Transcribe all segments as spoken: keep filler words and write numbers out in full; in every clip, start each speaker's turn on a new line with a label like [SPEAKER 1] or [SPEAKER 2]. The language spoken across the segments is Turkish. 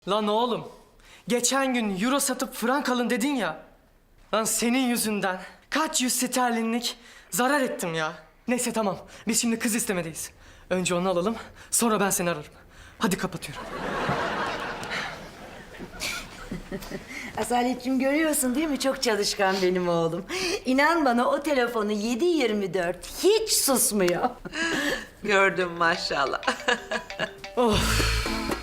[SPEAKER 1] Lan oğlum, geçen gün euro satıp frank alın dedin ya. Lan senin yüzünden kaç yüz sterlinlik zarar ettim ya. Neyse tamam, biz şimdi kız istemedeyiz. Önce onu alalım, sonra ben seni ararım. Hadi kapatıyorum.
[SPEAKER 2] Asaletciğim görüyorsun değil mi? Çok çalışkan benim oğlum. İnan bana o telefonu yedi yirmi dört hiç susmuyor.
[SPEAKER 3] Gördüm maşallah.
[SPEAKER 1] Of.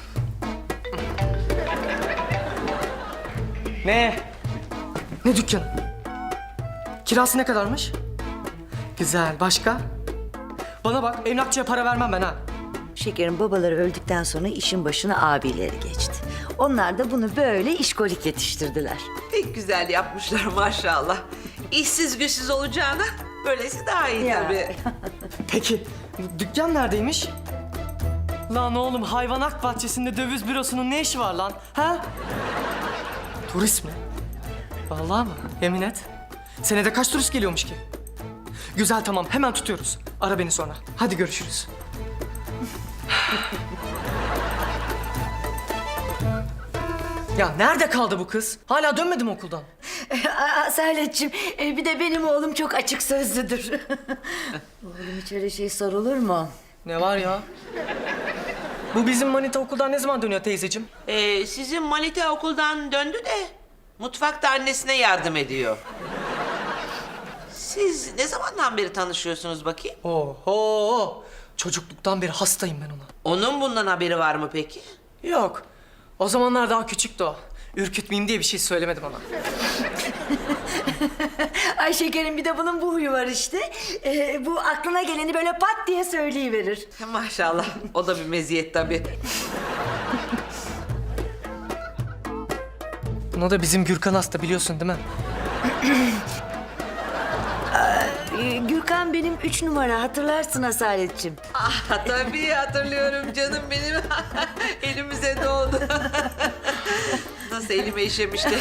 [SPEAKER 1] Ne? Ne dükkan? Kirası ne kadarmış? Güzel, başka? Bana bak, emlakçıya para vermem ben ha.
[SPEAKER 2] Şekerin babaları öldükten sonra işin başına abileri geçti. Onlar da bunu böyle işkolik yetiştirdiler.
[SPEAKER 3] Pek güzel yapmışlar maşallah. İşsiz güçsüz olacağına böylesi daha iyi
[SPEAKER 2] Ya.
[SPEAKER 3] tabii.
[SPEAKER 1] Peki, dükkan neredeymiş? Lan oğlum, hayvanat bahçesinde döviz bürosunun ne işi var lan? Ha? Turist mi? Vallahi mı? Yemin et. Senede kaç turist geliyormuş ki? Güzel, tamam, hemen tutuyoruz. Ara beni sonra. Hadi görüşürüz. Ya nerede kaldı bu kız? Hala dönmedi mi okuldan?
[SPEAKER 2] Asaletciğim e, bir de benim oğlum çok açık sözlüdür. Oğlum hiç öyle şey sorulur mu?
[SPEAKER 1] Ne var ya? Bu bizim manita okuldan ne zaman dönüyor teyzeciğim?
[SPEAKER 3] Ee, sizin Manita okuldan döndü de mutfakta annesine yardım ediyor. Siz ne zamandan beri tanışıyorsunuz bakayım?
[SPEAKER 1] Oho! Çocukluktan beri hastayım ben ona.
[SPEAKER 3] Onun bundan haberi var mı peki?
[SPEAKER 1] Yok. O zamanlar daha küçüktü o. Ürkütmeyeyim diye bir şey söylemedi bana.
[SPEAKER 2] Ay şekerim bir de bunun bu huyu var işte. E, bu aklına geleni böyle pat diye söyleyiverir.
[SPEAKER 3] Maşallah. O da bir meziyet tabii.
[SPEAKER 1] Buna da bizim Gürkan hasta, biliyorsun değil mi?
[SPEAKER 2] Ee, Gürkan benim üç numara hatırlarsın Asaletciğim.
[SPEAKER 3] Ah, tabii hatırlıyorum canım benim. Elimize doğdu. Nasıl elime işemişti.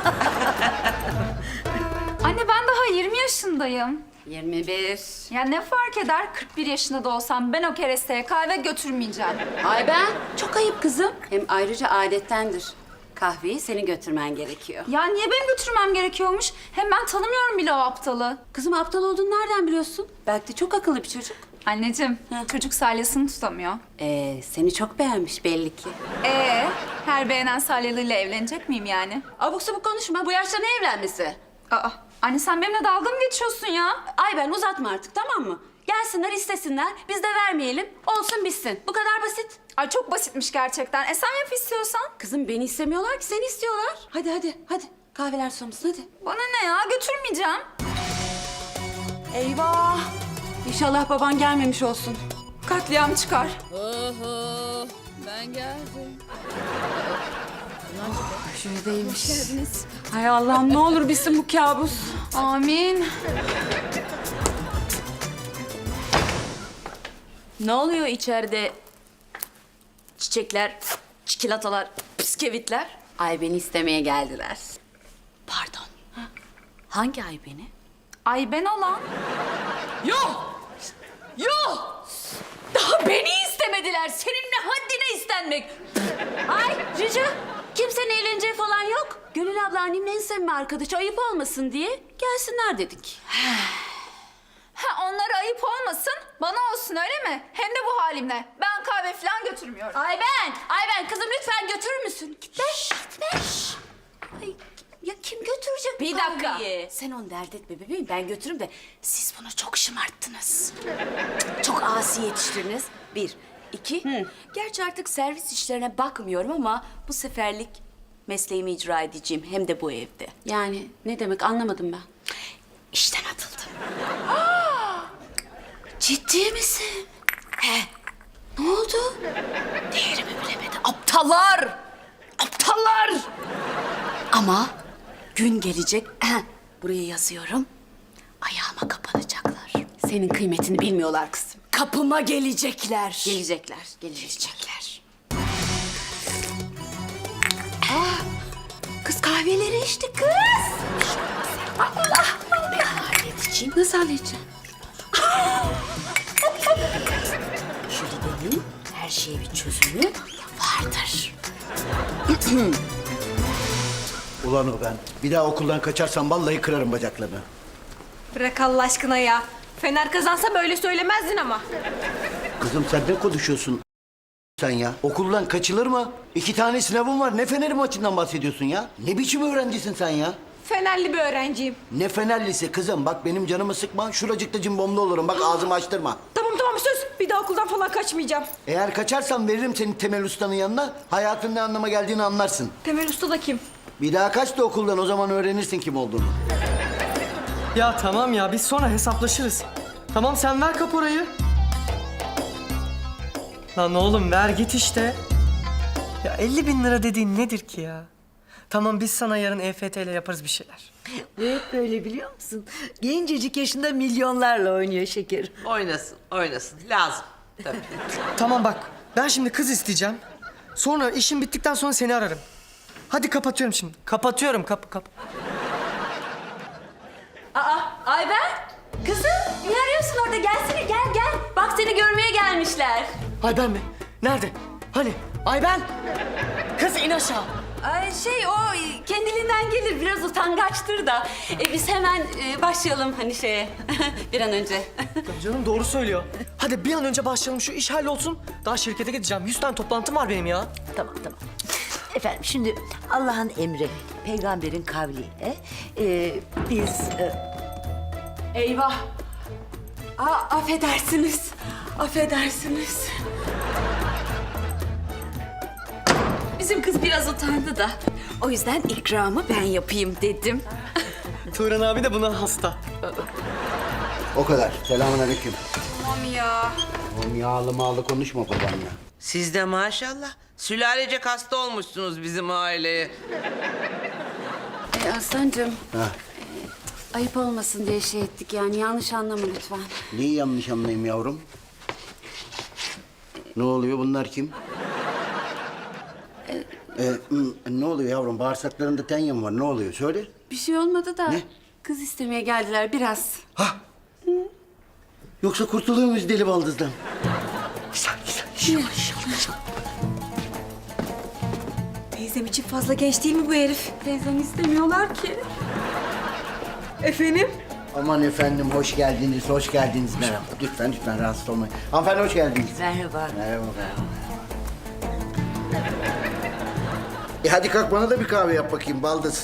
[SPEAKER 4] Anne ben daha yirmi yaşındayım.
[SPEAKER 5] yirmi bir.
[SPEAKER 4] Ya ne fark eder kırk bir yaşında da olsam ben o keresteye kahve götürmeyeceğim.
[SPEAKER 5] Ay ben çok ayıp kızım. Hem ayrıca adettendir. Kahveyi senin götürmen gerekiyor.
[SPEAKER 4] Ya niye benim götürmem gerekiyormuş? Hem ben tanımıyorum bile o aptalı.
[SPEAKER 5] Kızım aptal olduğunu nereden biliyorsun? Belki de çok akıllı bir çocuk.
[SPEAKER 4] Anneciğim
[SPEAKER 5] Hı.
[SPEAKER 4] çocuk salyasını tutamıyor.
[SPEAKER 5] Ee, seni çok beğenmiş belli ki.
[SPEAKER 4] Ee, her beğenen salyalıyla evlenecek miyim yani?
[SPEAKER 5] Abuk sabuk konuşma. Bu yaşta ne evlenmesi?
[SPEAKER 4] Aa, anne sen benimle dalga mı geçiyorsun ya?
[SPEAKER 5] Ay ben uzatma artık tamam mı? Gelsinler istesinler. Biz de vermeyelim. Olsun bitsin. Bu kadar basit.
[SPEAKER 4] Ay çok basitmiş gerçekten. E sen yap istiyorsan.
[SPEAKER 5] Kızım beni istemiyorlar ki seni istiyorlar. Hadi hadi hadi. Kahveler soğumasın hadi.
[SPEAKER 4] Bana ne ya, götürmeyeceğim.
[SPEAKER 5] Eyvah. İnşallah baban gelmemiş olsun.
[SPEAKER 4] Katliam çıkar.
[SPEAKER 6] Oho, ben geldim.
[SPEAKER 5] Şuradaymış. Hay Allah'ım ne olur bitsin bu kabus.
[SPEAKER 4] Amin.
[SPEAKER 5] Ne oluyor içeride? Çiçekler, çikolatalar, bisküvitler. Ay beni istemeye geldiler. Pardon. Hangi ay beni?
[SPEAKER 4] Ay ben olan.
[SPEAKER 5] Yok! Yok! Daha beni istemediler. Senin ne haddine istenmek? Ay Cici, kimsenin eğleneceği falan yok. Gönül abla annemin en sevme arkadaşı ayıp olmasın diye gelsinler dedik.
[SPEAKER 4] Ha, onlara ayıp olmasın, bana olsun öyle mi? Hem de bu halimle. Ben kahve falan götürmüyorum.
[SPEAKER 5] Ay ben, ay ben kızım lütfen götürür müsün? Gitme, gitme. Ay, ya kim götürecek bu
[SPEAKER 4] Bir dakika.
[SPEAKER 5] kahveyi? Sen onu dert etme bebeğim, ben götürürüm de siz bunu çok şımarttınız. Çok asi yetiştirdiniz. Bir, iki. Gerçi artık servis işlerine bakmıyorum ama bu seferlik mesleğimi icra edeceğim hem de bu evde. Yani ne demek anlamadım ben. İşten atıldım. Ciddi misin? He. Ne oldu? Değerimi bilemedi. Aptallar! Aptallar! Ama gün gelecek. Buraya yazıyorum. Ayağıma kapanacaklar. Senin kıymetini bilmiyorlar kızım.
[SPEAKER 2] Kapıma gelecekler.
[SPEAKER 5] Gelecekler, gelecekler. Ah, kız kahveleri içti kız. Allah! Ben halledeceğim. Nasıl halledeceğim? Jülide'nin her şeye bir çözümü vardır.
[SPEAKER 7] Ulan o ben. Bir daha okuldan kaçarsam vallahi kırarım bacaklarını.
[SPEAKER 8] Bırak Allah aşkına ya. Fener kazansa böyle söylemezdin ama.
[SPEAKER 7] Kızım sen ne konuşuyorsun sen ya? Okuldan kaçılır mı? İki tane sınavım var. Ne Fener'i maçından bahsediyorsun ya? Ne biçim öğrencisin sen ya?
[SPEAKER 8] Fenerli bir öğrenciyim.
[SPEAKER 7] Ne Fenerlisi kızım? Bak benim canımı sıkma. Şuracıkta cimbomlu olurum. Bak ağzımı açtırma.
[SPEAKER 8] Tamam tamam söz. Bir daha okuldan falan kaçmayacağım.
[SPEAKER 7] Eğer kaçarsan veririm seni Temel Usta'nın yanına. Hayatın ne anlama geldiğini anlarsın.
[SPEAKER 8] Temel Usta da kim?
[SPEAKER 7] Bir daha kaç da okuldan, o zaman öğrenirsin kim olduğunu.
[SPEAKER 1] Ya tamam ya, biz sonra hesaplaşırız. Tamam, sen ver kaporayı. Lan oğlum ver git işte. Ya elli bin lira dediğin nedir ki ya? Tamam, biz sana yarın E F T ile yaparız bir şeyler.
[SPEAKER 2] Bu hep böyle biliyor musun? Gencecik yaşında milyonlarla oynuyor şekerim.
[SPEAKER 3] Oynasın, oynasın. Lazım. Tabii.
[SPEAKER 1] Tamam bak, ben şimdi kız isteyeceğim. Sonra işim bittikten sonra seni ararım. Hadi kapatıyorum şimdi. Kapatıyorum, kapı kap.
[SPEAKER 5] Aa, Ayben! Kızım, ne arıyorsun orada? Gelsene, gel gel. Bak seni görmeye gelmişler.
[SPEAKER 1] Ayben mi? Nerede? Hani? Ayben! Kız in aşağı.
[SPEAKER 5] Ay şey o kendiliğinden gelir, biraz utangaçtır da. E, biz hemen e, başlayalım hani şeye, bir an önce.
[SPEAKER 1] Ya canım doğru söylüyor. Hadi bir an önce başlayalım, şu iş hallolsun. Daha şirkete gideceğim. Yüz tane toplantım var benim ya.
[SPEAKER 2] Tamam tamam. Efendim şimdi Allah'ın emri, peygamberin kavliyle e, biz... e,
[SPEAKER 5] Eyvah! Aa, affedersiniz, affedersiniz. Bizim kız biraz utandı da. O yüzden ikramı ben yapayım dedim.
[SPEAKER 1] Turan abi de buna hasta.
[SPEAKER 7] O kadar. Selamünaleyküm.
[SPEAKER 5] Tamam ya.
[SPEAKER 7] Oğlum yağlı mağlı konuşma babanla.
[SPEAKER 3] Siz de maşallah sülalecek hasta olmuşsunuz bizim aileye.
[SPEAKER 5] E, Aslancığım,
[SPEAKER 7] Ha.
[SPEAKER 5] ayıp olmasın diye şey ettik yani, yanlış anlama lütfen.
[SPEAKER 7] Neyi yanlış anlayayım yavrum? Ne oluyor, bunlar kim? Ee, hmm, ne oluyor yavrum? Bağırsaklarında tenya mı var? Ne oluyor? Söyle.
[SPEAKER 5] Bir şey olmadı da
[SPEAKER 7] Ne?
[SPEAKER 5] kız istemeye geldiler biraz.
[SPEAKER 7] Ha? Yoksa kurtuluyor muyuz deli baldızdan? Güzel, güzel. Yavaş, yavaş.
[SPEAKER 8] Teyzem için fazla genç değil mi bu herif?
[SPEAKER 5] Teyzem istemiyorlar ki.
[SPEAKER 8] Efendim?
[SPEAKER 7] Aman efendim, hoş geldiniz, hoş geldiniz. Merhaba. Lütfen, lütfen rahatsız olmayın. Hanımefendi hoş geldiniz.
[SPEAKER 2] Merhaba.
[SPEAKER 7] Merhaba. E hadi kalk, bana da bir kahve yap bakayım baldız.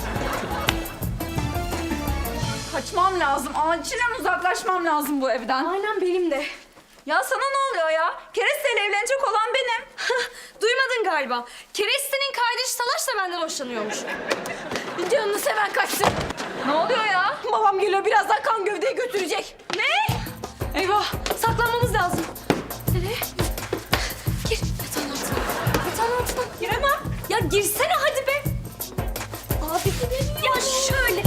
[SPEAKER 4] Kaçmam lazım. Acilen uzaklaşmam lazım bu evden.
[SPEAKER 8] Aynen benim de.
[SPEAKER 4] Ya sana ne oluyor ya? Kereste'yle evlenecek olan benim.
[SPEAKER 8] Duymadın galiba. Kereste'nin kardeşi Salaş da benden hoşlanıyormuş. Canını seven kaçsın.
[SPEAKER 4] Ne oluyor ya?
[SPEAKER 8] Babam geliyor, birazdan kan gövdeyi götürecek.
[SPEAKER 4] Ne?
[SPEAKER 8] Eyvah, saklanmamız lazım. Nereye? Gir, yatağın altına. Yatağın altına. Giremem. Ya girsene hadi be. Abi gidelim. Ya şöyle.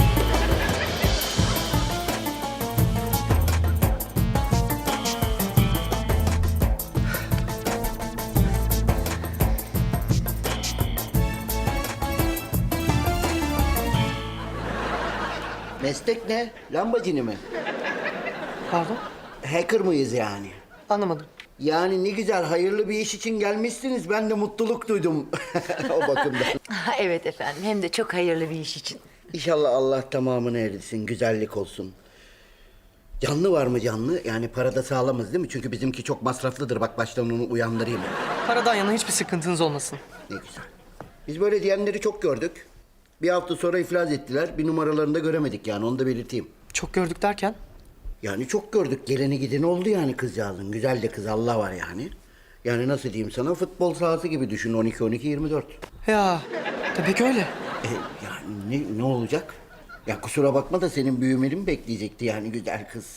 [SPEAKER 7] Meslek ne? Lambacini mi?
[SPEAKER 1] Pardon?
[SPEAKER 7] Hacker mıyız yani?
[SPEAKER 1] Anlamadım.
[SPEAKER 7] Yani ne güzel, hayırlı bir iş için gelmişsiniz. Ben de mutluluk duydum o bakımdan.
[SPEAKER 2] Ha, evet efendim, hem de çok hayırlı bir iş için.
[SPEAKER 7] İnşallah Allah tamamını erdirsin, güzellik olsun. Canlı var mı canlı? Yani parada sağlamız değil mi? Çünkü bizimki çok masraflıdır. Bak baştan onu uyandırayım.
[SPEAKER 1] Paradan yana hiçbir sıkıntınız olmasın.
[SPEAKER 7] Ne güzel. Biz böyle diyenleri çok gördük. Bir hafta sonra iflas ettiler. Bir numaralarını da göremedik yani, onu da belirteyim.
[SPEAKER 1] Çok gördük derken?
[SPEAKER 7] Yani çok gördük. Geleni gideni oldu yani kızcağızın. Güzel de kız, Allah var yani. Yani nasıl diyeyim sana, futbol sahası gibi düşün, on iki on iki yirmi dört.
[SPEAKER 1] Ya tabii ki öyle.
[SPEAKER 7] E, yani ne, ne olacak? Ya kusura bakma da senin büyümeni mi bekleyecekti yani güzel kız?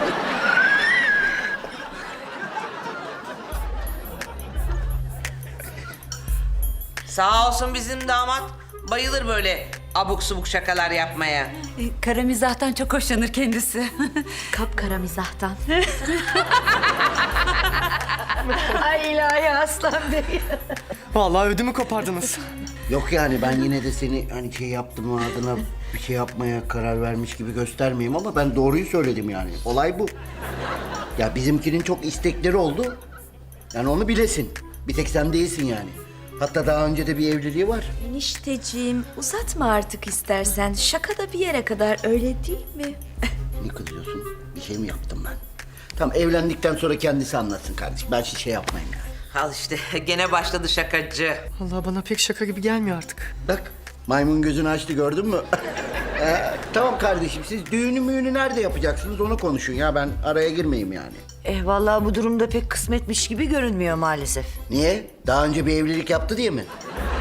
[SPEAKER 3] Sağ olsun bizim damat. Bayılır böyle abuk subuk şakalar yapmaya.
[SPEAKER 5] E, kara mizahtan çok hoşlanır kendisi.
[SPEAKER 2] Kapkara mizahtan. Ay ilahi Aslan Bey.
[SPEAKER 1] Vallahi ödümü kopardınız.
[SPEAKER 7] Yok yani ben yine de seni hani şey yaptım adına bir şey yapmaya karar vermiş gibi göstermeyeyim ama ben doğruyu söyledim yani. Olay bu. Ya bizimkinin çok istekleri oldu. Yani onu bilesin. Bir tek sen değilsin yani. Hatta daha önce de bir evliliği var.
[SPEAKER 2] Enişteciğim uzatma artık istersen. Şaka da bir yere kadar öyle değil mi?
[SPEAKER 7] Ne kızıyorsun? Bir şey mi yaptım ben? Tamam, evlendikten sonra kendisi anlatsın kardeşim. Ben hiç şey yapmayayım yani.
[SPEAKER 3] Al işte gene başladı şakacı.
[SPEAKER 1] Allah bana pek şaka gibi gelmiyor artık.
[SPEAKER 7] Bak, maymun gözünü açtı, gördün mü? Ee, tamam kardeşim, siz düğünü müğünü nerede yapacaksınız onu konuşun ya. Ben araya girmeyeyim yani.
[SPEAKER 2] Eh vallahi bu durumda pek kısmetmiş gibi görünmüyor maalesef.
[SPEAKER 7] Niye? Daha önce bir evlilik yaptı diye mi?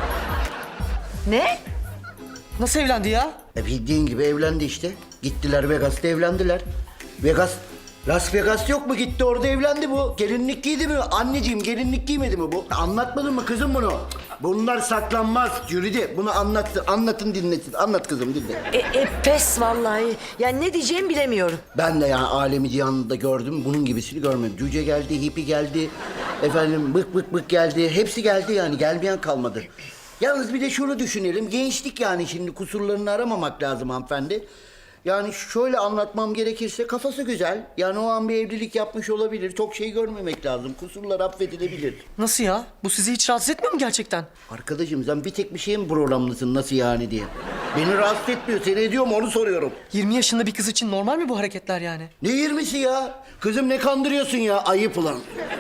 [SPEAKER 2] Ne?
[SPEAKER 1] Nasıl evlendi ya?
[SPEAKER 7] E bildiğin gibi evlendi işte. Gittiler Vegas'ta evlendiler. Vegas, Las Vegas yok mu? Gitti orada evlendi bu. Gelinlik giydi mi? Anneciğim gelinlik giymedi mi bu? Anlatmadın mı kızım bunu? Bunlar saklanmaz Jülide. Bunu anlattın, anlatın dinletin. Anlat kızım dinle.
[SPEAKER 2] E, e pes vallahi. Yani ne diyeceğimi bilemiyorum.
[SPEAKER 7] Ben de yani alemi cihanında gördüm. Bunun gibisini görmedim. Cüce geldi, hipi geldi. Efendim bık bık bık geldi. Hepsi geldi yani. Gelmeyen kalmadı. Yalnız bir de şunu düşünelim. Gençlik yani, şimdi kusurlarını aramamak lazım hanımefendi. Yani şöyle anlatmam gerekirse kafası güzel. Yani o an bir evlilik yapmış olabilir. Çok şey görmemek lazım. Kusurlar affedilebilir.
[SPEAKER 1] Nasıl ya? Bu sizi hiç rahatsız etmiyor mu gerçekten?
[SPEAKER 7] Arkadaşım sen bir tek bir şeye mi programlısın nasıl yani diye. Beni rahatsız etmiyor. Seni ediyor mu onu soruyorum.
[SPEAKER 1] yirmi yaşında bir kız için normal mi bu hareketler yani?
[SPEAKER 7] Ne yirmisi ya? Kızım ne kandırıyorsun ya? Ayıp ulan.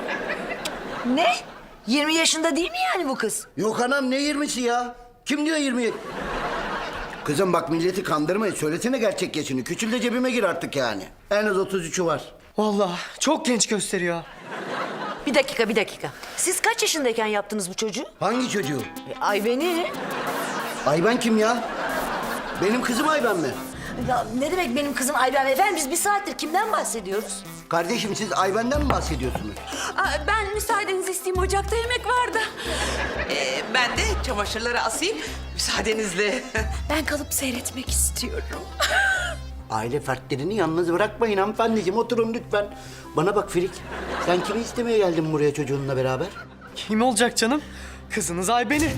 [SPEAKER 2] Ne? yirmi yaşında değil mi yani bu kız?
[SPEAKER 7] Yok anam, ne yirmisi ya? Kim diyor yirmi? Kızım bak, milleti kandırmayın. Söylesene gerçek yaşını. Küçül de cebime gir artık yani. En az otuz üçü var.
[SPEAKER 1] Vallahi çok genç gösteriyor.
[SPEAKER 2] Bir dakika bir dakika. Siz kaç yaşındayken yaptınız bu çocuğu?
[SPEAKER 7] Hangi çocuğu?
[SPEAKER 2] E, Ayben'i.
[SPEAKER 7] Ayben kim ya? Benim kızım Ayben mi?
[SPEAKER 2] Ya ne demek benim kızım Ayben? Efendim biz bir saattir kimden bahsediyoruz?
[SPEAKER 7] Kardeşim siz Ayben'den mi bahsediyorsunuz?
[SPEAKER 5] Aa, ben müsaadenizi isteyeyim, ocakta yemek vardı.
[SPEAKER 3] Ee, ben de çamaşırları asayım müsaadenizle.
[SPEAKER 5] Ben kalıp seyretmek istiyorum.
[SPEAKER 7] Aile fertlerini yalnız bırakmayın hanımefendiciğim. Oturun lütfen. Bana bak Firik. Sen kimi istemeye geldin buraya çocuğunla beraber?
[SPEAKER 1] Kim olacak canım? Kızınız Ayben'i.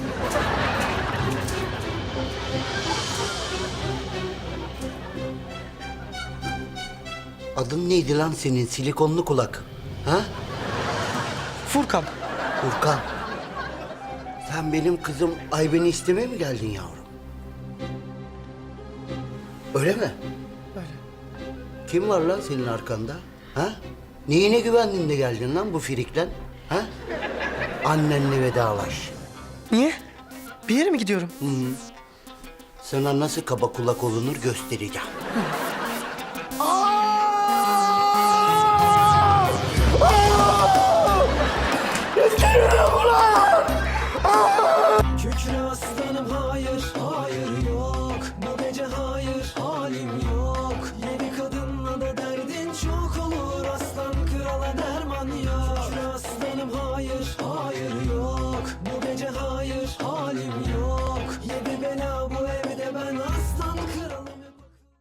[SPEAKER 7] Adın neydi lan senin silikonlu kulak? Ha?
[SPEAKER 1] Furkan.
[SPEAKER 7] Furkan. Sen benim kızım Ayben'i istemeye mi geldin yavrum? Öyle mi?
[SPEAKER 1] Öyle.
[SPEAKER 7] Kim var lan senin arkanda? Ha? Neyine güvendin de geldin lan bu firiklen? Ha? Annenle vedalaş.
[SPEAKER 1] Niye? Bir yere mi gidiyorum?
[SPEAKER 7] Sana nasıl kaba kulak olunur göstereceğim.
[SPEAKER 9] Kükre aslanım hayır, hayır yok. Bu gece hayır, halim yok. Yedi kadınla da derdin çok olur. Aslan krala derman yok. Kükre aslanım hayır, hayır yok. Bu gece hayır, halim yok. Yedi bela